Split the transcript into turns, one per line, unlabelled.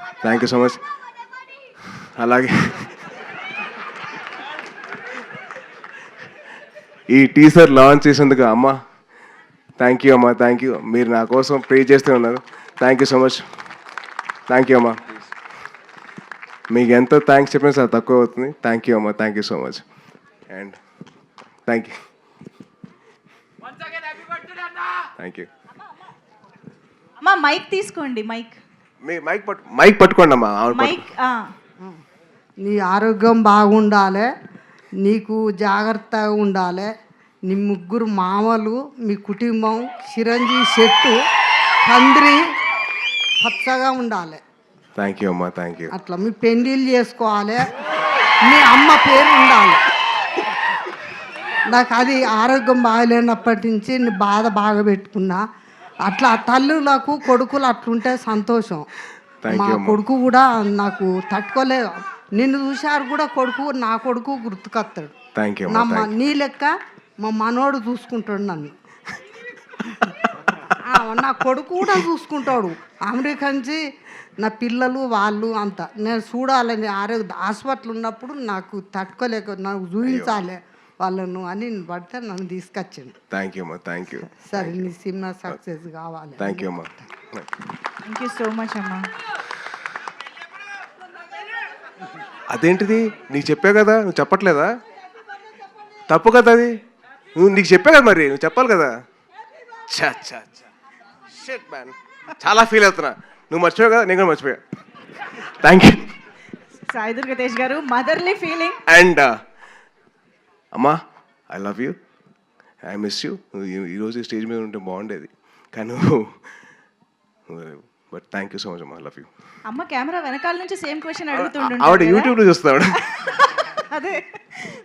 Thank you so much. అలాగే ఈ teaser launch చేసేందుకు అమ్మ థ్యాంక్ యూ అమ్మ, థ్యాంక్ యూ. మీరు నా కోసం ప్రే చేస్తూ ఉన్నారు. Thank you so much. Thank you అమ్మ. మీకు ఎంత థ్యాంక్స్ చెప్పినా సార్ తక్కువ అవుతుంది. థ్యాంక్ యూ అమ్మ, thank you so much. And thank you, thank you.
అమ్మా మైక్ తీసుకోండి.
మీ మైక్ పట్టుకోండి అమ్మా.
మైక్.
నీ ఆరోగ్యం బాగుండాలి, నీకు జాగ్రత్తగా ఉండాలి. నీ ముగ్గురు మామలు, మీ కుటుంబం చిరంజీవి చెట్టు తండ్రి పచ్చగా ఉండాలి.
థ్యాంక్ యూ అమ్మా, థ్యాంక్ యూ.
అట్లా మీ పెళ్ళిళ్ళు చేసుకోవాలి, మీ అమ్మ పేరు ఉండాలి. నాకు అది ఆరోగ్యం బాగలేనప్పటి నుంచి నీ బాధ బాగా పెట్టుకున్నా. అట్లా తల్లులకు కొడుకులు అట్లుంటే సంతోషం. మా కొడుకు కూడా నాకు తట్టుకోలేదు. నిన్ను చూశారు కూడా కొడుకు, నా కొడుకు గుర్తుకొస్తాడు. నీ లెక్క మా మనోడు చూసుకుంటాడు నన్ను. నా కొడుకు కూడా చూసుకుంటాడు. అమెరికా నుంచి నా పిల్లలు వాళ్ళు అంతా నేను చూడాలని హాస్పిటల్ ఉన్నప్పుడు నాకు తట్టుకోలేక నాకు చూపించాలి వాళ్ళను అని పడితే నన్ను తీసుకొచ్చింది.
థ్యాంక్ యూ అమ్మా, థ్యాంక్ యూ.
సరే నీ సినిమా సక్సెస్ కావాలి.
థ్యాంక్ యూ అమ్మా.
థ్యాంక్ యూ సో మచ్ అమ్మా.
అదేంటిది నీకు చెప్పా కదా, నువ్వు చెప్పట్లేదా? తప్పు కదా అది. నీకు చెప్పా కదా, మరి నువ్వు చెప్పాలి కదా. షిట్ మ్యాన్, చాలా ఫీల్ అవుతున్నా. నువ్వు మర్చిపోయావు కదా, నేను కూడా మర్చిపోయా. థ్యాంక్ యూ
సాయి దుర్గా తేజ్ గారు. Motherly feeling.
అండ్ అమ్మా, I love you, I miss you. ఈరోజు స్టేజ్ మీద ఉంటే బాగుండేది కానీ but thank you so much అమ్మా, లవ్ యూ.
అమ్మ కెమెరా వెనకాల నుంచి సేమ్ క్వశ్చన్ అడుగుతుండే.
ఆవిడ యూట్యూబ్లో చూస్తాడు.
అదే